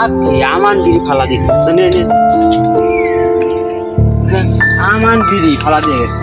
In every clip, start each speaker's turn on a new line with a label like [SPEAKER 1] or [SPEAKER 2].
[SPEAKER 1] লাভ কি? আমান বিড়ি ফালা দিছে। আমান বিড়ি ফালা দিয়ে গেছে।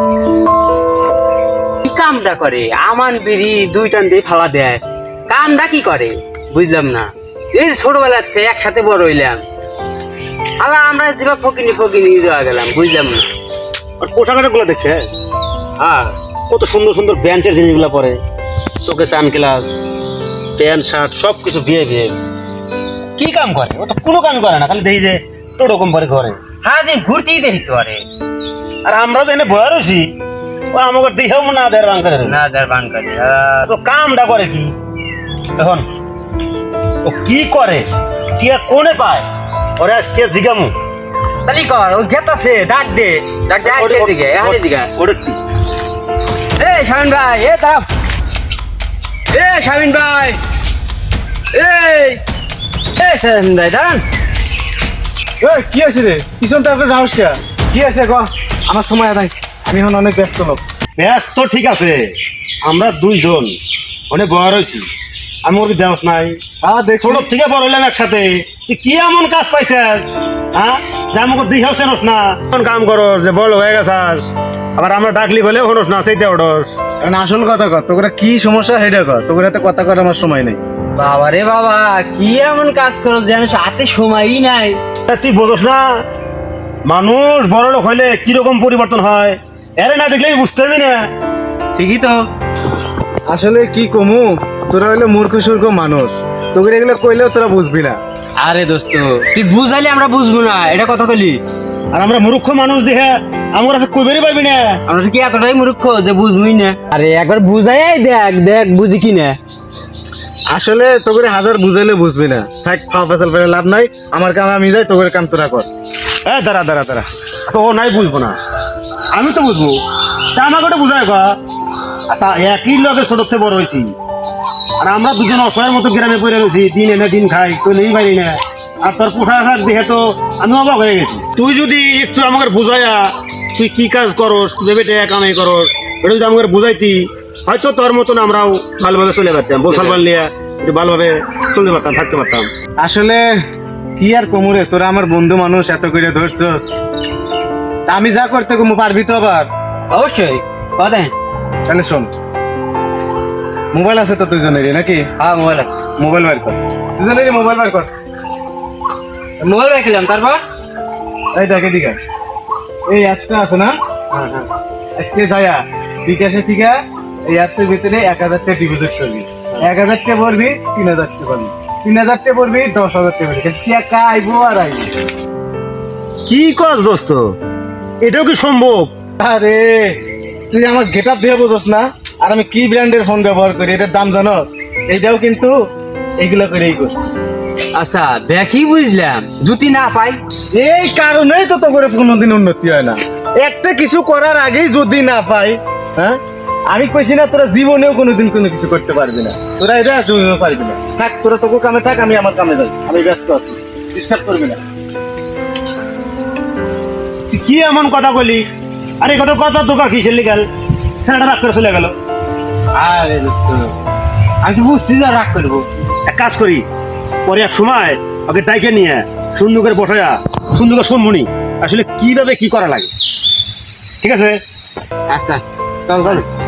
[SPEAKER 1] কি কামটা করে? আমান বিড়ি দুই টান দিয়ে ফালা দেয়, কামটা কি করে বুঝলাম না। এই ছোটবেলার থেকে একসাথে বড় হইলাম, আলা আমরা যেভাবে ফকিনি ফকিনি রয়ে গেলাম বুঝলাম না।
[SPEAKER 2] আর পোশাক গুলো দেখছে,
[SPEAKER 1] হ্যাঁ
[SPEAKER 2] কত সুন্দর সুন্দর ব্র্যান্ডের জিনিসগুলো পরে, চোখে সানগ্লাস, প্যান্ট শার্ট সব কিছু বিয়ে বিয়ে। কি কাম করে? ও তো কোনো কাম করে না, খালি দেখি যে টোটো কম করে ঘরে।
[SPEAKER 1] হ্যাঁ দিন ঘুরতেই দেখি তো আরে।
[SPEAKER 2] আর আমরা তো এনে বয়ে রয়েছি, ও আমাকে দিহেও না দেড় বাং করে।
[SPEAKER 1] না দার বান করে
[SPEAKER 2] তো কামটা করে কি এখন? ও কি করে? কি আর কোনে পায়? ওরে আজকে জিগামু
[SPEAKER 1] তালি কর, ও গেতাছে, ডাক দে আসে দিকে এখানে দিকে।
[SPEAKER 2] ওটা কি?
[SPEAKER 1] এ শামিন ভাই, এ দাঁড়াও। এ শামিন ভাই, এই শামিন ভাই দাঁড়ান।
[SPEAKER 3] কি আছে রে? পিছনটা আপনার রাহস্যা কি আছে গো? আমার সময় আদায়, আমি এখন অনেক ব্যস্ত লোক।
[SPEAKER 2] ব্যস্ত ঠিক আছে, আমরা দুইজন অনেক বড় হয়েছি, আমি ওর দেওয়াস নাই।
[SPEAKER 3] দেখছো
[SPEAKER 2] ছোট থেকে বড় হইলাম একসাথে, তুই কি এমন কাজ পাইছিস? হ্যাঁ, যে আমাকে দিঘাও চেনস না, কোন কাম করস যে বড় হয়ে গেছাস, আবার আমরা ডাকলি বলে হনস না, সেইতে ওঠস।
[SPEAKER 3] এখন আসল কথা কর, তোরা কি সমস্যা হেডে কর, তোর হাতে কথা কর, আমার সময় নেই।
[SPEAKER 1] বাবা রে বাবা, কি এমন কাজ করো যেন হাতে সময়ই নাই।
[SPEAKER 2] তুই বোঝস না, মানুষ বড় লোক হইলে কিরকম পরিবর্তন হয়, এরে না দেখলেই বুঝতে পারবি না।
[SPEAKER 1] ঠিকই তো।
[SPEAKER 3] আসলে কি কমু, তোরা হইলে মূর্খ সূর্খ মানুষ, তোকে এগুলো কইলেও তোরা বুঝবি না।
[SPEAKER 1] আরে দোস্ত, তুই বুঝাইলে আমরা বুঝবো না, এটা কথা কলি।
[SPEAKER 2] আর আমরা মূর্খ মানুষ দেখে আমার কাছে কইবেরই পারবি না।
[SPEAKER 1] আমরা কি এতটাই মূর্খ যে বুঝবই না? আরে একবার বুঝাই দেখ দেখ বুঝি কি না।
[SPEAKER 3] আসলে তোকে হাজার বুঝাইলে বুঝবি না, থাক ফাফাসাল ফেলে লাভ নাই, আমার কাম আমি যাই, তোকে কাম তোরা কর।
[SPEAKER 2] দাঁড়া দাঁড়া দাঁড়া, তো ও নাই বুঝবো না, আমি তো বুঝবো, তা আমাকে ওটা বুঝায় গা। আচ্ছা, একই লোকের ছোট থেকে বড় হয়েছি, আর আমরা দুজন অসহায়ের মতো গ্রামে পড়ে রয়েছি, দিন এনে দিন খাই, চলেই পারি না। আর তোর পোশাক দেখে তো আমি অবাক হয়ে গেছি। তুই যদি একটু আমাকে বুঝাইয়া তুই কি কাজ করস, ভেবে টাকা কামাই করস, এটা যদি আমাকে বুঝাইতি, হয়তো তোর মতন আমরাও ভালোভাবে চলে পারতাম, বসাল পারলিয়া একটু ভালোভাবে চলতে পারতাম, থাকতে পারতাম।
[SPEAKER 3] আসলে কি আর কমুরে, তোরা আমার বন্ধু মানুষ, এত করে ধরছস, তা আমি যা করতে কমু পারবি তো আবার?
[SPEAKER 1] অবশ্যই কথা।
[SPEAKER 3] তাহলে শোন, মোবাইল আছে তো দুজনেরই নাকি?
[SPEAKER 1] হ্যাঁ মোবাইল আছে।
[SPEAKER 3] মোবাইল বের কর, দুজনেরই মোবাইল বের কর।
[SPEAKER 1] মোবাইল রেখেলাম, তারপর
[SPEAKER 3] এই দেখ এদিকে, এই অ্যাপসটা আছে না?
[SPEAKER 1] হ্যাঁ হ্যাঁ
[SPEAKER 3] আজকে যায়া বিকাশে থেকে এই অ্যাপসের ভিতরে 1000 টাকা ডিপোজিট করবি, 1000 টাকা পড়বি, 3000 টাকা পড়বি, 3000 টাকা পড়বি, 10,000 টাকা পড়বি, টাকা আইবো আর আইবো।
[SPEAKER 2] কি কাজ দোস্ত, এটাও কি সম্ভব?
[SPEAKER 3] আরে তুই আমার গেট আপ দিয়ে বোঝস না, আর আমি কি ব্র্যান্ডের ফোন ব্যবহার করি, এটার দাম জানোস? এইটাও কিন্তু এইগুলা করেই করছি।
[SPEAKER 1] আচ্ছা দেখি বুঝলাম, জুতি না পাই
[SPEAKER 3] এই কারণেই তো তোর কোনোদিন উন্নতি হয় না, একটা কিছু করার আগেই যদি না পাই। হ্যাঁ, আমি কইছি না তোরা জীবনেও কোনোদিন কোনো কিছু করতে পারবি না, তোরা এটা জীবনেও পারবি না। থাক, তোরা তোকে কামে থাক, আমি আমার কামে যাই, আমি ব্যস্ত আছি, ডিস্টার্ব করবি না।
[SPEAKER 2] তুই কি এমন কথা বলি? আরে কত কথা দোকান খিসে গেল, ছেলেটা রাগ করে চলে গেল।
[SPEAKER 1] আরে দোস্ত, আমি তো বুঝছি যে রাগ করবো।
[SPEAKER 2] এক কাজ করি, পরে এক সময় ওকে ডাইকে নিয়ে সুন্দর করে বসায়া সুন্দর করে শুনবনি আসলে কিভাবে কি করা লাগে। ঠিক আছে?
[SPEAKER 1] আচ্ছা চল চল।